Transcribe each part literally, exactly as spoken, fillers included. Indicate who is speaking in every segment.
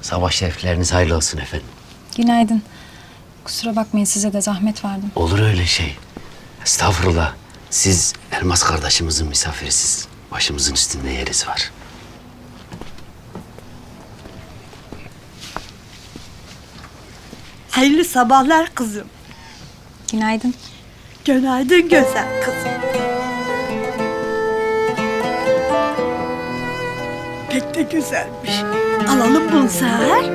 Speaker 1: Sabah şerifleriniz hayırlı olsun efendim.
Speaker 2: Günaydın. Kusura bakmayın, size de zahmet verdim.
Speaker 1: Olur öyle şey. Estağfurullah. Siz Elmas kardeşimizin misafirisiz. Başımızın üstünde yeriz var.
Speaker 3: Hayırlı sabahlar kızım.
Speaker 2: Günaydın.
Speaker 3: Günaydın güzel kızım. Pek de güzelmiş. Alalım bunu Seher.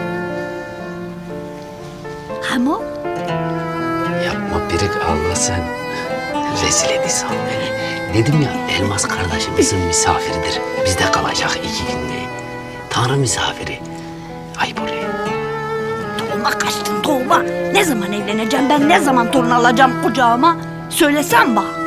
Speaker 3: Hamo?
Speaker 1: Yapma Pirik, Allah sen. Rezil ediyorsun beni. Dedim ya, Elmas kardeşimizin misafiridir. Bizde kalacak iki günde. Tanrı misafiri. Ayıp oluyor.
Speaker 3: Doğuma kaçtın doğuma. Ne zaman evleneceğim ben, ne zaman torun alacağım kucağıma? Söylesen bana.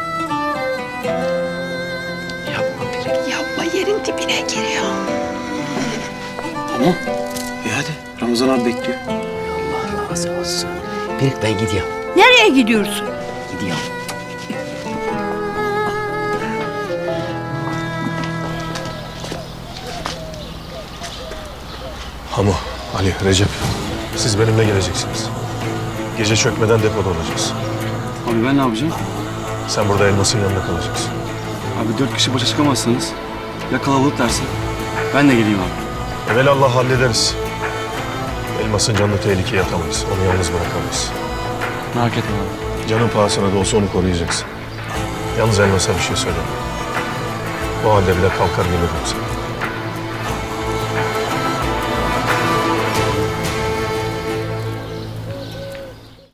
Speaker 1: Yapma Pirik, yapma, yerin dibine giriyor.
Speaker 4: Tamam. E hadi. Ramazan abi bekliyor.
Speaker 1: Allah razı olsun. Pirik, ben gidiyorum.
Speaker 3: Nereye gidiyorsun?
Speaker 1: Gidiyorum.
Speaker 5: Hamo, Ali, Recep. Siz benimle geleceksiniz. Gece çökmeden depoda olacağız.
Speaker 4: Abi ben ne yapacağım?
Speaker 5: Sen burada Elmas'ın yanında kalacaksın.
Speaker 4: Abi dört kişi başa çıkamazsanız ya kalabalık dersin. Ben de geleyim abi.
Speaker 5: Evelallah hallederiz. Elmas'ın canını tehlikeye atamayız. Onu yalnız bırakamayız.
Speaker 4: Merak etme abi.
Speaker 5: Canın pahasına da olsa onu koruyacaksın. Yalnız Elmas'a bir şey söyleme. O halde bile kalkar gelirim sana.